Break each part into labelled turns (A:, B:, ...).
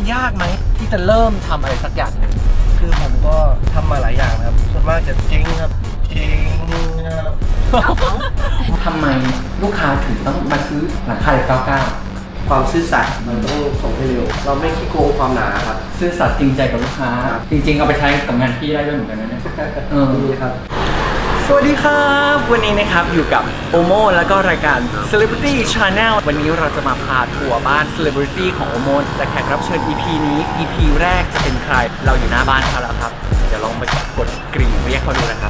A: ยากไหมที่จะเริ่มทำอะไรสักอย่างหนึ่ง
B: คือผมก็ทำมาหลายอย่างครับส่วนมากจะเจ๊งครับเจ๊งครับ
A: ทำไมลูกค้าถึงต้องมาซื้อหลังคาเหล็ก99
B: ความซื่อสัตย์มันต้องส่งให้เร็วเราไม่ขี้โกงความหนาครับ
A: ซื่อสัตย์จริงใจกับลูกค้าจริงๆเอาไปใช้กับงานพี่ได้ด้วยเหมือนกันนะเนี่ย
B: ดีครับ
A: สวัสดีครับวันนี้นะครับอยู่กับโอโมแล้วก็รายการ Celebrity Channel วันนี้เราจะมาพาทัวร์บ้าน Celebrity ของโอโมและแขกรับเชิญ EP นี้ EP แรกจะเป็นใครเราอยู่หน้าบ้านเขาแล้วครับเดี๋ยวลองไปกดกริ่งเรียกเขาดูนะครับ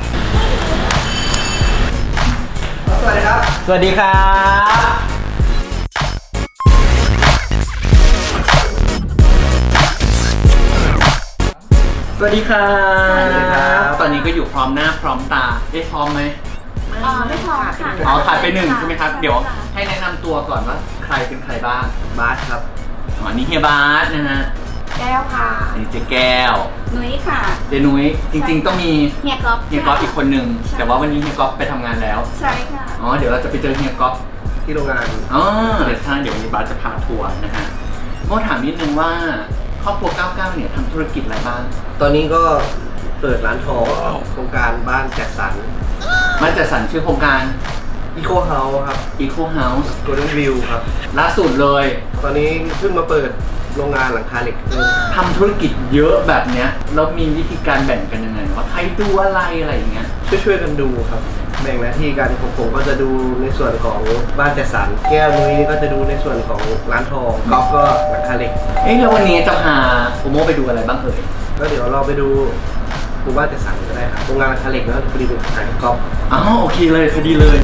B: สวัสดีครับ
A: สวัสดีครับสวัสดีครับตอนนี้ก็อยู่พร้อมหน้าพร้อมตาได้พร้อมไหม
C: ไม่พร้อมค่ะ
A: ขาดไปหนึ่งใช่ไหมครับเดี๋ยวให้แนะนำตัวก่อนว่าใครเป็นใครบ้าง
B: บาสครับ
A: นี่เฮียบาสนะฮะ
C: แก้วค่ะ
A: อันนี้เจ๊แก้ว
C: นุ้ยค่ะ
A: เจ๊นุ้ยจริงๆต้องมี
C: เฮียก๊อฟ
A: อีกคนหนึ่งแต่ว่าวันนี้เฮียก๊อฟไปทำงานแล้ว
C: ใช่ค่ะ
A: เดี๋ยวเราจะไปเจอเฮียก๊อฟ
B: ที่โรงงาน
A: เดี๋ยววันนี้บาสจะพาทัวร์นะฮะโม่ถามนิดนึงว่าครอบครัว99เนี่ยทำธุรกิจอะไรบ้าง
B: ตอนนี้ก็เปิดร้านทองโครงการบ้านแจกสรร
A: บ้านแจกสรรชื่อโครงการ
B: Eco House ครับ
A: Eco House
B: Golden View ครับ
A: ล่าสุดเลย
B: ตอนนี้เพิ่งมาเปิดโรงงานหลังคาเหล็ก
A: ทำธุรกิจเยอะแบบเนี้ยแล้วมีวิธีการแบ่งกันยังไงว่าใครดูอะไรอย่างเงี้ย
B: ช่วยกันดูครับแบ่งหน้าที่กันผมก็จะดูในส่วนของบ้านแจกสรรแก้วนุ้ยก็จะดูในส่วนของร้านทองก๊อฟก็หลังคาเหล็ก
A: แล้ววันนี้จะพาโอโมไปดูอะไรบ้างเอ่ย
B: แล้วเดี๋ยวเราไปดูหมู่บ้านแจกสรรก็ได้ครับโรงงานหลังคาเหล็กแล้วพอดีเป็นขายก๊อฟ
A: โอเคเลยพอดีเลย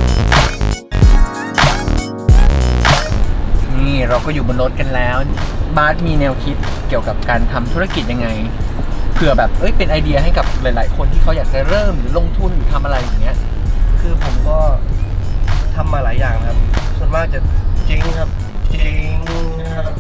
A: นี่เราก็อยู่บนรถกันแล้วบาสมีแนวคิดเกี่ยวกับการทำธุรกิจยังไงเผื่อแบบเป็นไอเดียให้กับหลายๆคนที่เขาอยากจะเริ่มหรือลงทุนหรือทำอะไรอย่างเงี้ย
B: คือผมก็ทำมาหลายอย่างครับส่วนมากจะเจ๊งครับเจ๊งครับ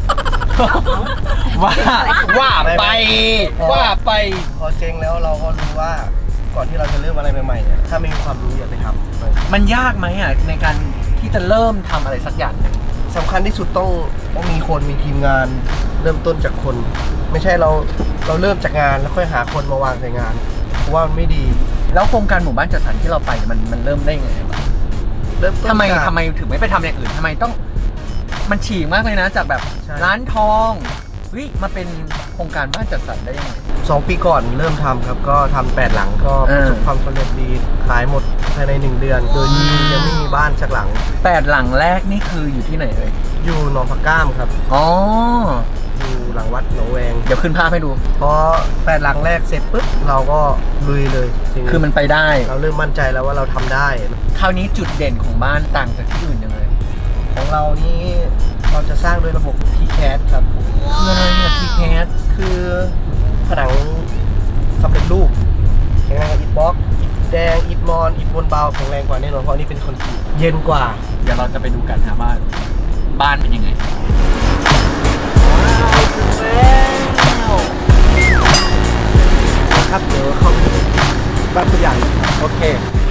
A: ว่าไป
B: พอเจ๊งแล้วเราก็รู้ว่าก่อนที่เราจะเริ่มอะไรใหม่ๆเนี่ยถ้าไม่มีความรู้อย่าไปทำ
A: มันยากไหมในการที่จะเริ่มทำอะไรสักอย่างนึง
B: สำคัญที่สุดต้องมีคนมีทีมงานเริ่มต้นจากคน ไม่ใช่เราเริ่มจากงานแล้วค่อยหาคนมาวางใส่งานเพราะว่ามันไม่ดี
A: แล้วโครงการหมู่บ้านจัดสรรที่เราไปมันเริ่มได้ไง
B: เริ่มต้น
A: ทำไมถึงไม่ไปทำอย่างอื่นทำไมต้องมันฉีกมากเลยนะจากแบบร้านทองมาเป็นโครงการบ้านจัดสรรได้ยังไง
B: 2 ปีก่อนเริ่มทำครับก็ทำ8 หลังก็ประสบความสำเร็จดีขายหมดภายใน1 เดือนโดยที่ยังไม่มีบ้านสักหลัง
A: 8 หลังแรกนี่คืออยู่ที่ไหนเลย
B: อยู่หนองผักก้ามครับอยู่หลังวัดหนองแวง
A: เดี๋ยวขึ้นภาพให้ดู
B: พอ8 หลังแรกเสร็จปุ๊บเราก็ลุยเลย
A: คือมันไปได้
B: เราเริ่มมั่นใจแล้วว่าเราทำได้
A: คราวนี้จุดเด่นของบ้านต่างจากที่อื่นยังไง
B: ของเรานี่เราจะสร้างด้วยระบบ TCAD ครับ
A: คืออะไรเนี่ย TCAD
B: คือผนังสำเร็จรูปแข็งแรงกว่าอิฐบล็อกอิฐแดงอิฐมอนอิฐบนเบาแข็งแรงกว่าแน่นอนเพราะนี่เป็นคอนกรีตเย็นกว่า
A: เดี๋ยวเราจะไปดูกันนะว่าบ้านเป็นยังไง
B: ครับเดี๋ยวเข้าไปบ้านตัวอย่าง
A: โอเค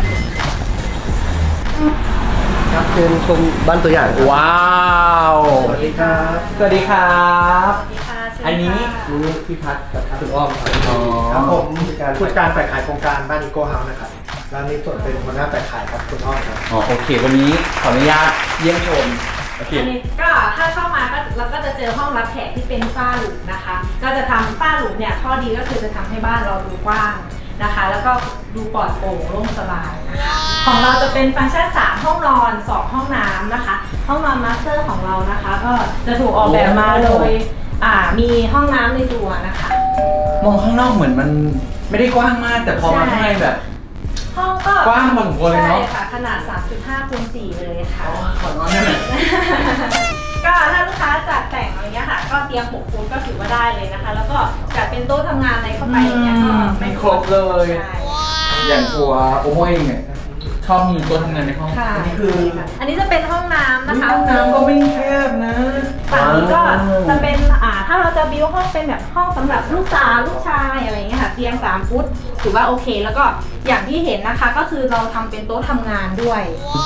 B: ครับเชิญชมบ้านตัวอย่าง
A: ว้าว
B: สวัสดีครับ
A: สวัสดีครับอันนี้
B: พี่พัฒน์กับคุณอ้อมครับผมผู้จัดการฝ่ายขายโครงการบ้านอีโก้เฮาส์นะครับร้านนี้ส่วนเป็นหัวหน้าฝ่ายขายครับคุณอ้อมครับ
A: โอเควันนี้ขออนุญาตเยี่ยมชม
C: อันนี้ก็ถ้าเข้ามาก็เราก็จะเจอห้องรับแขกที่เป็นฝ้าหลุมนะคะก็จะทำฝ้าหลุมเนี่ยข้อดีก็คือจะทำให้บ้านเราดูกว้างนะคะแล้วก็ดูปลอดโปร่งโล่งสบายนะคะของเราจะเป็นฟังก์ชัน3 ห้องนอน2 ห้องน้ำนะคะห้องนอนมาสเตอร์ของเรานะคะก็จะถูกออกแบบมาโดยมีห้องน้ำในตัวนะคะ
A: มองข้างนอกเหมือนมันไม่ได้กว้างมากแต่พอมาข้างในแบบ
C: ห้องก็
A: กว้างพอสมควรเลยเนาะ
C: ใช่ค่ะขนาด 3.5 คูณ 4เลยค่ะ
A: ขอนอนได้ไหม
C: ก็ถ้าลูกค้าจัดแต่งอะไรเงี้ยค่ะก็เตรียม6 ฟุตก็ถือว่าได้เลยนะคะแล้วก็จัดเป็นโต๊ะทำงานอะไรเข้าไปอย่างเงี้ยก็
A: ไม่ครบเลยอย่างตัวโอโมเองเนี่ยชอบมีโต๊ะทำงานในห้อง
C: อันนี้จะเป็นห้องน้ำนะคะ
A: ห้องน้ำก็ไม่แคบนะ
C: ฝั่งนี้ก็จะเป็นถ้าเราจะบิวห้องเป็นแบบห้องสำหรับลูกสาวลูกชายอะไรเงี้ยค่ะเตียง3 ฟุตถือว่าโอเคแล้วก็อย่างที่เห็นนะคะก็คือเราทำเป็นโต๊ะทำงานด้วย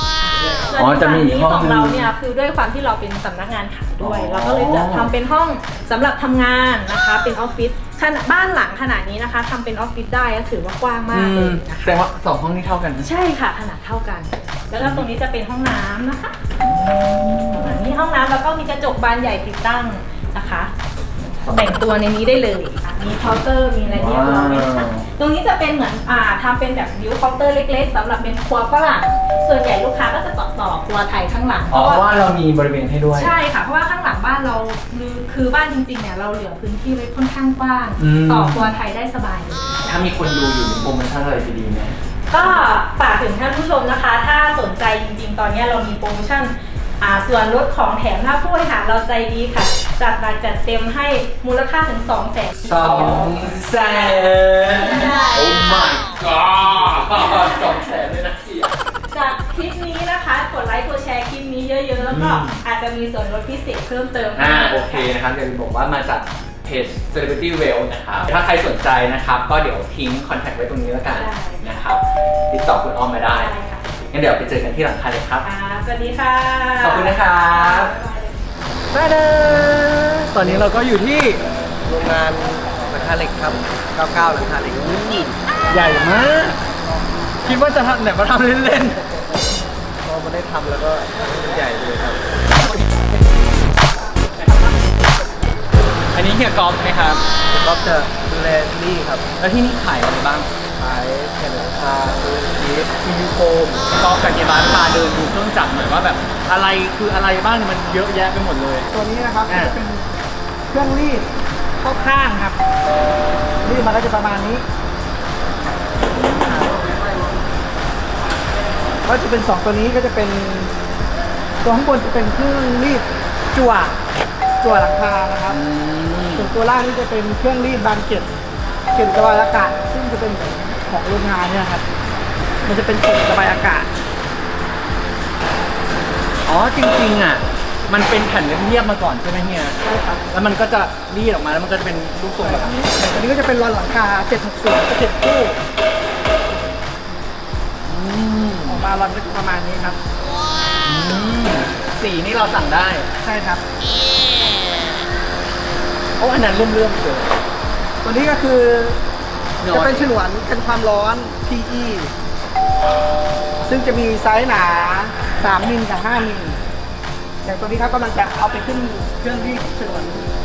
C: ส่วน
A: อ๋อ
C: ที่
A: จะมีอีก
C: นี้
A: ห้อง
C: ของ
A: นึง
C: เราเนี่ยคือด้วยความที่เราเป็นสำนักงานขายด้วย
A: อ๋อ
C: เราก็เลยจะทำเป็นห้องสำหรับทำงานนะคะเป็นออฟฟิศขนาดบ้านหลังขนาดนี้นะคะทำเป็นออฟฟิศได้ก็ถือว่ากว้างมากเลยนะ
A: แสด
C: คะ
A: งว่า2 ห้องนี้เท่ากันนะ
C: ใช่ค่ะขนาดเท่ากัน แล้วก็ตรงนี้จะเป็นห้องน้ำนะคะนี่ห้องน้ำแล้วก็มีกระจกบานใหญ่ติดตั้งนะคะแต่งตัวในนี้ได้เลยมีเคาน์เตอร์มีอะไรเรียบร้อยนะคะตรงนี้จะเป็นเหมือนทำเป็นแบบวิวเคาน์เตอร์เล็กๆสำหรับเป็นครัวฝรั่งส่วนใหญ่ลูกค้าก็จะต่อครัวไทยข้างหลัง
A: อ๋อเพราะว่าเรามีบริเวณให้ด้วย
C: ใช่ค่ะเพราะว่าข้างหลังบ้านเราคือบ้านจริงๆเนี่ยเราเหลือพื้นที่ไว้ค่อนข้างกว้าง
A: อืม
C: ต่อครัวไทยได้สบายเลย
A: ถ้ามีคนดูอยู่มีโปรโมชั่นอะไรดีๆไหม
C: ก็ฝากถึงท่านผู้ชมนะคะ ถ้าสนใจจริงๆ ตอนนี้เรามีโปรโมชั่นส่วนลดของแถมหน้าผู้บริหารเราใจดีค่ะ จัดหนักจัดเต็มให้มูลค่าถึง 200,000
A: 200,000 โอ้ my god 200,000เลยนะเสีย
C: จากคลิปนี้นะคะ กดไลค์กดแชร์คลิปนี้เยอะๆ แล้วก็อาจจะมีส่วนลดพิเศษเพิ่มเติมให้
A: โอเคนะครับเดี๋ยวบอกว่ามาจากเพจ Celebrity Well นะครับ ถ้าใครสนใจนะครับ ก็เดี๋ยวทิ้งคอนแทคไว้ตรงนี้แล้วกันนะครับ ติดต่อคุณอ้อมมาได้
C: ได้ค่ะ
A: งั้นเดี๋ยวไปเจอกันที่หลังคาเลยครับ
C: สวัสดีค่ะ
A: ขอบคุณนะครับตาดาตอนนี้เราก็อยู่ที่
B: โรงงานหลังคาเหล็กครับ 99 หลังคาเหล็ก
A: ใหญ่มาก คิดว่าจะทำไหนมาทำเล่น
B: พอมาได้ทำแล้วก็ใหญ่เลยครับ
A: ๆ อันนี้เฮียกอล์ฟไหมครับ
B: ก็จะดูแลที่นี่ครับ
A: แล้วที่นี่ขายอะไรบ้าง
B: ขายแผ่นหลังคาดูชีสมียูโฟม
A: กอล์ฟกับเฮียบ้านพาเดินดูเครื่องจักรหน่อยว่าแบบอะไรคืออะไรบ้างเนี่ยมันเยอะแยะไปหมดเลย
B: ตัวนี้นะครับ
A: อ่า
B: จะเป็นเครื่องรีดเข้าข้างครับรีดมาก็จะประมาณนี้ก็จะเป็น 2 ตัวนี้ก็จะเป็นตัวข้างบนจะเป็นเครื่องรีดจั่วหลังคานะครับ ส่วนตัวล่างนี่จะเป็นเครื่องรีดบานเกล็ดระบายอากาศซึ่งจะเป็นของโรงงานเนี่ยครับมันจะเป็นเกล็ดระบายอากาศ
A: อ๋อจริงๆอ่ะมันเป็นแผ่นเรียบๆมาก่อนใช่ไหมเฮีย
B: ใช่ครับ
A: แล้วมันก็จะรีดออกมาแล้วมันก็จะเป็นรูปทรงแบบนี้
B: อันนี้ก็จะเป็นรอนหลังคา760จะ7คู่ออกมารอนก็จะประมาณนี้ครับ
A: สีนี่เราสั่งได้
B: ใช่ครับ
A: โอ้อันนั้นเลื่อมๆเลย
B: ตัวนี้ก็คือ
A: น้อย
B: จะเป็นฉนวนกันความร้อน PE ซึ่งจะมีไซส์หนา 3 มิลกับ 5 มิลอย่างตัวนี้ครับกำลังจะเอาไปขึ้นเครื่องรีดฉนวน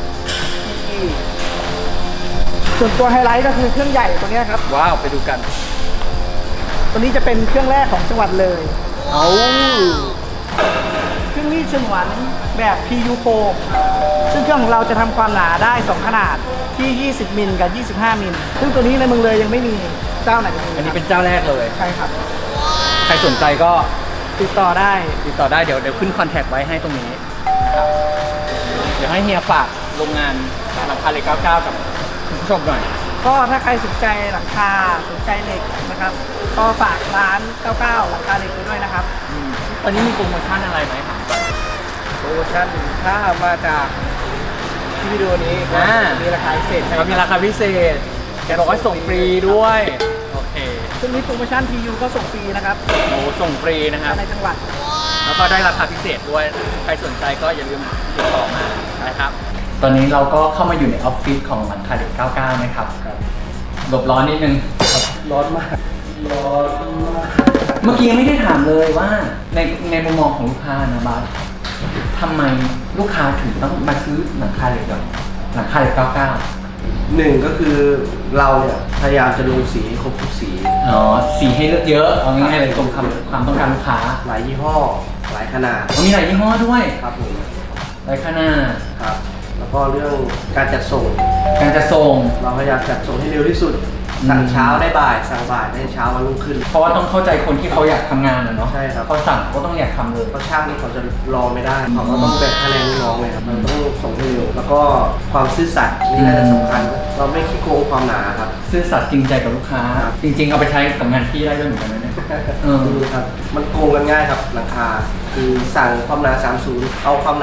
B: PE ส่วนตัวไฮไลท์ก็คือเครื่องใหญ่ตัวเนี้ยครับ
A: ว้าวไปดูกัน
B: ตัวนี้จะเป็นเครื่องแรกของจังหวัดเลย
A: เอา
B: เครื่องรีดฉนวนแบบ PU foam ซึ่งเครื่องของเราจะทำความหนาได้ 2 ขนาดที่ 20 มิลกับ 25 มิล ซึ่งตัวนี้ในเมืองเลยยังไม่มีเจ้าไหนมี
A: อันนี้เป็นเจ้าแรกเลย
B: ใช่ครับ
A: ใครสนใจก็
B: ติดต่อได้
A: ติดต่อได้เดี๋ยวขึ้นคอนแทคไว้ให้ตรงนี้นะครับ เดี๋ยวให้เฮียฝากโรงงานหลังคาเหล็ก99 กับคุณผู้ชมหน่อย
B: ก็ถ้าใครสนใจหลังคาสนใจเหล็กนะครับ ก็ฝากร้าน 99 หลังคาเหล็กไว้ด้วยนะครับ
A: ตอนนี้มีโปรโมชั่นอะไรไหมครับ
B: โปรโมชั่นถ้ามาจากที่วิดีโอนี้ก็
A: อ่า
B: มีราคาพิเศษให้
A: เรามีราคาพิเศษแกบอกว่าส่งฟรีด้วย โอเค
B: ซึ่งนี้โปรโมชั่น PU ก็ส่งฟรีนะครับ
A: โอ้ส่งฟรีนะครับ
B: ในจังหวัด
A: แล้วก็ได้ราคาพิเศษด้วย ใครสนใจก็อย่าลืมติดต่อมานะครับ ตอนนี้เราก็เข้ามาอยู่ในออฟฟิศของหลังคาเหล็ก99 นะครับหลบร้อนนิดนึง
B: ร้อนมาก ร้อนมาก
A: เมื่อกี้ยังไม่ได้ถามเลยว่าในมุมมองของลูกค้านะบาสทำไมลูกค้าถึงต้องมาซื้อหลังคาเหล็กแบบหลังคาเหล็ก99
B: หนึ่งก็คือเราเนี่ยพยายามจะลงสีครบทุกสี
A: อ๋อ สีให้เลือกเยอะ เอาง่ายๆเลยตรงความต้องการลูกค้า
B: หลายยี่ห้อ หลายขนาด
A: มีหลายยี่ห้อด้วย
B: ครับผม
A: หลายขนาด
B: ครับ แล้วก็เรื่องการจัดส่ง
A: การจะส่ง
B: เราพยายามจัดส่งให้เร็วที่สุด สั่งเช้าได้บ่าย สั่งบ่ายได้เช้าวันรุ่งขึ้น
A: เพราะว่าต้องเข้าใจคนที่เขาอยากทำงานอะเนาะ
B: ใช่ครับ
A: เขาสั่งก็ต้องอยากทำเลย
B: เพราะช่างนี่เขาจะรอไม่ได้เขาก็ต้องแบ่งค่าแรงลูกน้องเลยครับเราต้องส่งให้เร็ว แล้วก็ความซื่อสัตย์นี่น่าจะสำคัญ เราไม่ขี้โกงความหนาครับ
A: ซื่อสัตย์จริงใจกับลูกค้า
B: ครับ
A: จริง ๆ เอาไปใช้กับงานที่ได้ด้วยเหมือนกันนะเนี่ย
B: ดูครับ มันโกงกันง่ายครับหลังคา คือสั่งความหนา 30 เอาความหนา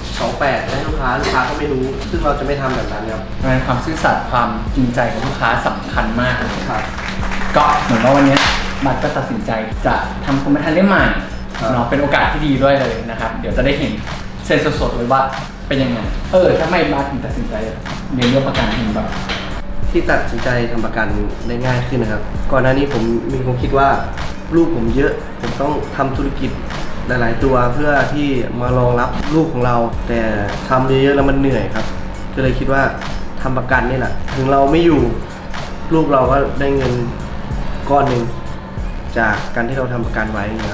B: 28ให้ลูกค้าก็ไม่รู้ ซึ่งเราจะไม่ทำแบบนั้นครับ
A: งานความซื่อสัตย์ความจริงใจกับลูกค้าสำคัญมากเลย
B: ครับ
A: ก็เหมือนว่าวันนี้บัตรก็ตัดสินใจจะทำคอมพิวเตอร์เล่มใหม่เนาะเป็นโอกาสที่ดีด้วยเลยนะครับเดี๋ยวจะได้เห็นเซนสดๆเลยว่าเป็นยังไงทำไมมาถึงตัดสินใจเรียนเรื่องประกันถึงแบบ
D: ที่ตัดสินใจทำประกันได้ง่ายขึ้นนะครับ ก่อนหน้านี้ผมมีความคิดว่าลูกผมเยอะ ผมต้องทำธุรกิจหลายๆตัวเพื่อที่มารองรับลูกของเรา แต่ทำเยอะๆแล้วมันเหนื่อยครับ ก็เลยคิดว่าทำประกันนี่แหละถึงเราไม่อยู่ลูกเราก็ได้เงินก้อนหนึ่งจากการที่เราทำประกันไว้นะครับ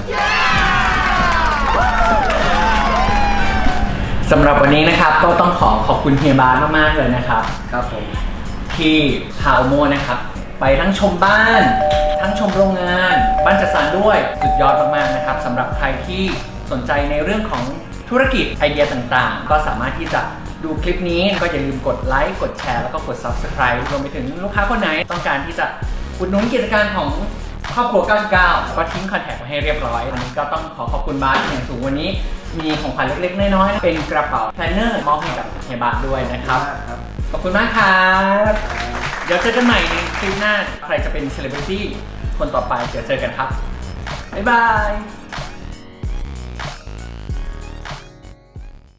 A: สำหรับวันนี้นะครับก็ต้องขอบคุณเฮียบาสมากๆเลยนะครับ
D: ครับผม
A: ที่พาโอโมนะครับไปทั้งชมบ้าน ทั้งชมโรงงาน บ้านจัดสรรด้วยสุดยอดมากๆนะครับสำหรับใครที่สนใจในเรื่องของธุรกิจไอเดียต่างๆ ก็สามารถที่จะดูคลิปนี้ก็อย่าลืมกดไลค์กดแชร์แล้วก็กด Subscribe รวมไปถึงลูกค้าคนไหนต้องการที่จะอุดหนุนกิจการของครอบครัว 99 ก็ทิ้งคอนแทคไว้ให้เรียบร้อยวันนี้ก็ต้องขอบคุณบาสอย่างสูงวันนี้มีของขวัญเล็กๆน้อยๆเป็นกระเป๋าแพลนเนอร์มอบให้กับเฮียบาสด้วยนะครับ ขอบคุณมากครับ เดี๋ยวเจอกันใหม่ในคลิปหน้า ใครจะเป็นเซเลบริตี้คนต่อไป เดี๋ยวเจอกันครับ บ๊ายบาย